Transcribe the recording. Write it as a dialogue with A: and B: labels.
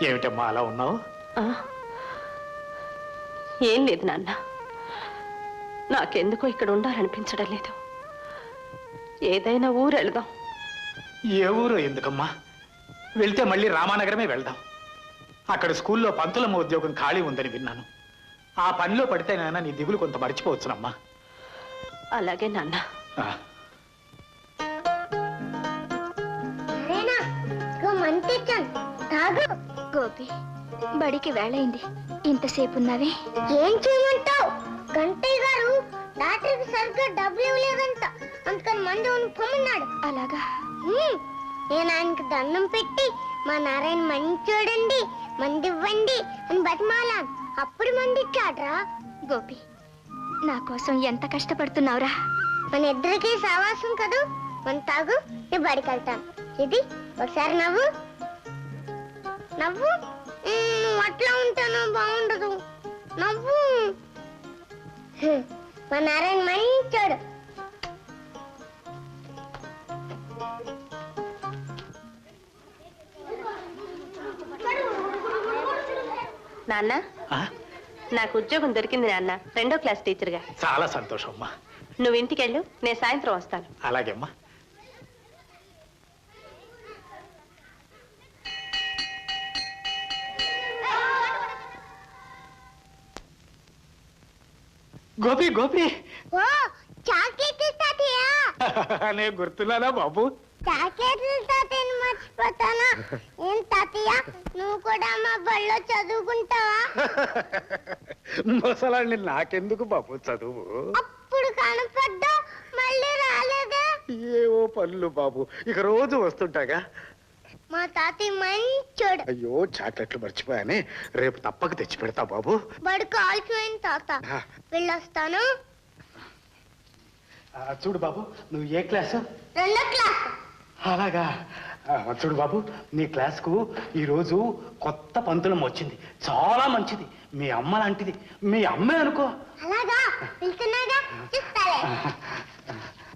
A: ఏమిటమ్మా అలా ఉన్నావు?
B: ఏం లేదు నాన్న, నాకెందుకో ఇక్కడ ఉండాలనిపించడం లేదు. ఏదైనా ఊరు వెళదాం.
A: ఏ ఊరు ఎందుకమ్మా? వెళ్తే మళ్ళీ రామానగరమే వెళ్దాం. అక్కడ స్కూల్లో పంతులమ్మ ఉద్యోగం ఖాళీ ఉందని విన్నాను. ఆ పనిలో పడితేనైనా నీ దిగులు కొంత మర్చిపోవచ్చునమ్మా.
B: అలాగే నాన్న.
C: గోపి, బడికి వేళైంది, ఇంతసేపు ఉన్నావే? ఏం చేయమంటావు? గంటయ్య గారు డాక్టర్కి సరిగ్గా డబ్బులు ఇవ్వలేదంట, అందుకని మంది పొమ్మన్నాడు. అలాగా? నేను ఆయనకి దండం పెట్టి మా నారాయణ మంది చూడండి, మంది ఇవ్వండి అని బతిమాలాను. అప్పుడు మంది ఇచ్చాడ్రా. గోపి, నా కోసం ఎంత కష్టపడుతున్నావురా. మన ఇద్దరికి సావాసం కదూ. మన తాగు, నేను బడికి వెళ్తాను. ఇది ఒకసారి నవ్వు నవ్వు. అట్లా ఉంటాను బాగుండదు. నవ్వు. మా నారాయణ మంచోడు.
B: నాన్న, నాకు ఉద్యోగం దొరికింది నాన్న, 2వ క్లాస్ టీచర్గా.
A: చాలా సంతోషం అమ్మా.
B: నువ్వు ఇంటికి వెళ్ళు, నేను సాయంత్రం వస్తాను.
A: అలాగే అమ్మా. గోపి గోపి, నేను గుర్తున్నానా బాబు?
C: మర్చిపోతానా? ఏం తాతయ్య, నువ్వు కూడా మా బడిలో చదువుకుంటావా?
A: ముసలాన్ని నాకెందుకు బాబు చదువు?
C: అప్పుడు కనపడ్డా మళ్ళీ రాలేదా?
A: ఏవో పనులు బాబు, ఇక రోజు వస్తుంటాగా.
C: మా తాతయ్య మంచోడు.
A: అయ్యో, చాక్లెట్లు మర్చిపోయానే, రేపు తప్పక తెచ్చి పెడతా బాబు.
C: బడి కాల్చిపోయింది తాత, వెళ్ళొస్తాను.
A: చూడు బాబు, నువ్వు ఏ క్లాసు?
C: 2వ క్లాస్.
A: అలాగా? చూడు బాబు, నీ క్లాస్కు ఈరోజు కొత్త పంతులం వచ్చింది, చాలా మంచిది, మీ అమ్మ లాంటిది. మీ అమ్మే అనుకో.
C: అలాగా? వెళ్తున్నాగా, చూస్తాలే.